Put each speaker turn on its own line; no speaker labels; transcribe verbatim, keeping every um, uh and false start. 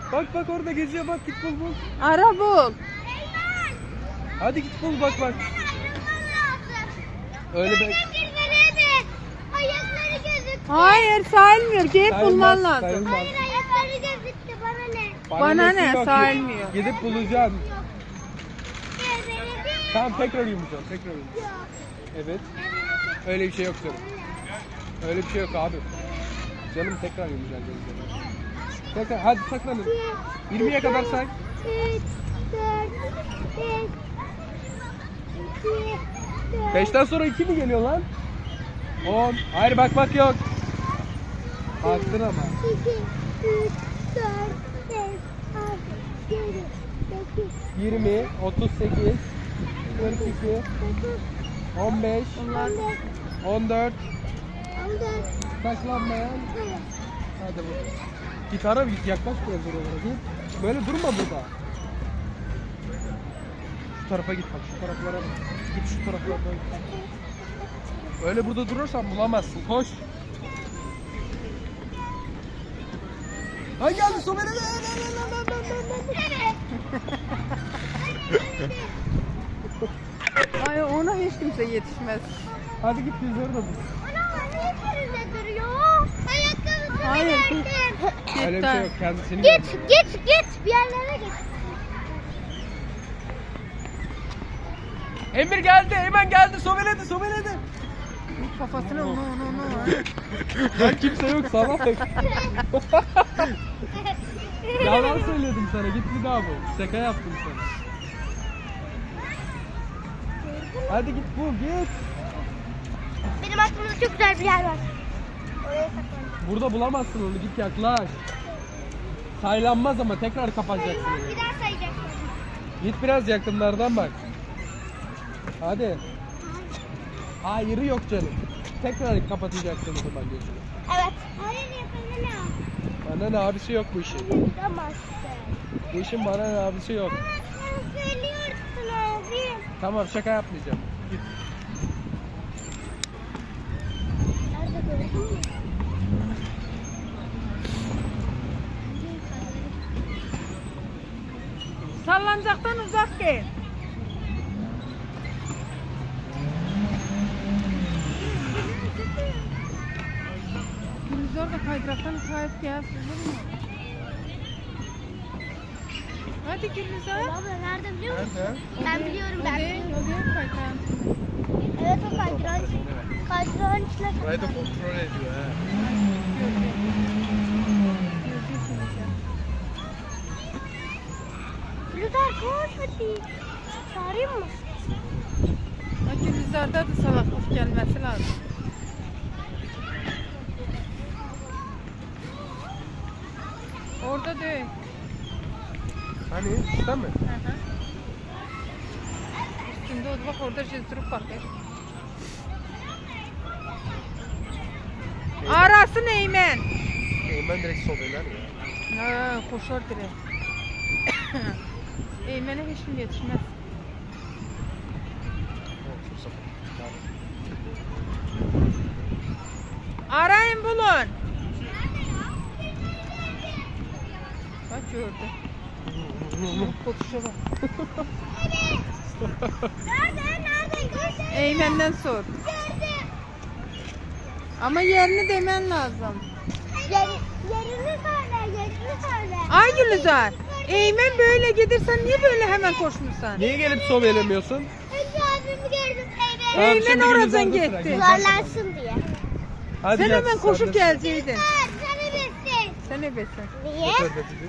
Bak bak orada geziyor, bak git bul bul.
Ara bul.
Hadi git bul, bak bak. Öyle be.
Ayakları gözüktü.
Hayır sayılmıyor. Gidip
Sayılmaz,
bulman lazım.
sayılmaz.
Hayır ayakları gözüktü bana ne?
Bana
nesi
ne,
yok,
sayılmıyor.
Gidip bulacaksın.
Gözleri
Tamam tekrar yumuşak, tekrar yumuşak.
yok.
Evet. Öyle bir şey yok canım. Öyle bir şey yok abi. Canım tekrar yumuşak gözleri. Tekrar, hadi saklanın. yirmiye kadar say.
üç, dört, beş, iki, dört.
beşten sonra iki mi geliyor lan? on. Hayır bak bak yok. Baktın ama.
iki, üç, dört, beş, altı, yedi, sekiz,
yirmi, otuz sekiz, kırk iki,
dokuz,
on beş,
Bunlar
on beş,
on dört.
on dört,
Saklanmayan.
evet.
Hadi bu. Gitara bir yaklaş biraz oralara git. Böyle durma burada. Şu tarafa git bak, şu taraflara bak. Git şu taraflara bak. Öyle burada durursan bulamazsın. Koş. Ay geldi Somer'e.
Ay ona hiç kimse yetişmez.
Hadi git yüzleri de bul.
Ana niye birinde duruyor? Ayakkabısını
Hayır,
verdim.
Öyle bir şey yok. Kendisini
Git git git bir yerlere git.
Emir geldi. Hemen geldi. Sobeledi. Sobeledi.
Kafasına onu onu onu.
Lan kimse yok. Salak. Yalan söyledim sana. Git bir daha bul. Şaka yaptım sana. Hadi git bul. Git.
Benim aklımda çok güzel bir yer var. Oraya saklandım.
Burada bulamazsın onu. Git yaklaş. Saylanmaz ama tekrar kapatacaksın.
Bir daha sayacaksın.
Git biraz yakınlardan bak. Hadi. Hayırı yok canım. Tekrar kapatacaksın o zaman gözünü.
Evet. Hayır yapalım.
Bana ne abisi yok bu işin.
Yapamazsın.
Bu işin bana ne abisi yok.
Ama sen söylüyorsun abi.
Tamam şaka yapmayacağım. Git.
Nerede gördün mü?
Sallanacaktan uzak gel. Biz orada kaydıraktan kayıp gel. Olur mu? Hadi Gülizar.
Abla nerede biliyor musun?
Nerede?
Ben biliyorum ben
Hadi,
biliyorum.
hadi kaydıran.
Evet o kaydıran. Kaydıran içine.
Burayı da kontrol ediyor ha.
Lütfen koş hadi. Çağırayım mı?
Gülizar'da da salaklık gelmesi lazım. Orada değil.
Hani işte mi?
Hı hı. Üstünde oldu bak orada cezdurup bakıyor. Arasın Eymen.
Eymen direkt sobeler ya.
Ha, koşar direkt. Eymen'e hiç mi yetişmez? Arayın bulun. Bak gördü. Kokuşa bak.
Nerede? Nerede? Gördüm.
Eymen'den sor.
Gördüm.
Ama yerini demen lazım.
Yer, yerini söyle. Yerini söyle.
Ay Gülizar. Eymen böyle gidersen niye böyle hemen koşmuşsun?
Niye gelip sobelemiyorsun?
Önce abimi gördüm. Evet.
Tamam,
Eymen
şimdi
oradan
Gülizar'da sıra.
gitti.
Gülizar-
Yuvarlansın diye.
Hadi
Sen
gel,
hemen koşup
sen de-
gelseydin.
Sen, sen bilirsin.
Sen ne besin?
Niye?
Götür, götür.